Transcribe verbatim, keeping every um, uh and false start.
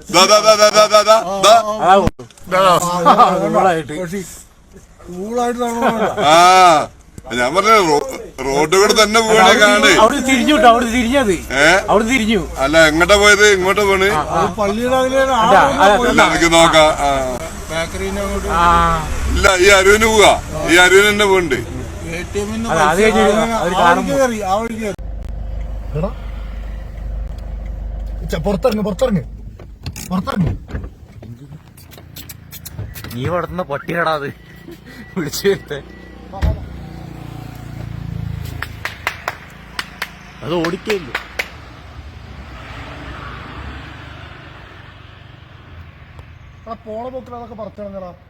ആ ഞാൻ പറഞ്ഞ റോഡ് കൂടെ തന്നെ പോകണേ കാണേ. അവിടെ തിരിഞ്ഞു അവിടെ തിരിഞ്ഞത് അവിടെ തിരിഞ്ഞു. അല്ല എങ്ങോട്ടാ പോയത്? ഇങ്ങോട്ടാ പോണ്? നമുക്ക് നോക്കാം. ഇല്ല ഈ അരുവിന് പോവാ. ഈ അരുവിന് തന്നെ പോണ്ട്. പുറത്തിറങ്ങ് പുറത്തിറങ്ങ് പുറത്തിറങ്ങ്. നീ വളർത്തുന്ന പട്ടിയാടാ അത്. വിളിച്ചു വരുത്തേ. അത് ഓടിക്കയില്ല. പോണ പോക്കിൽ അതൊക്കെ പറിച്ചിറങ്ങടാ.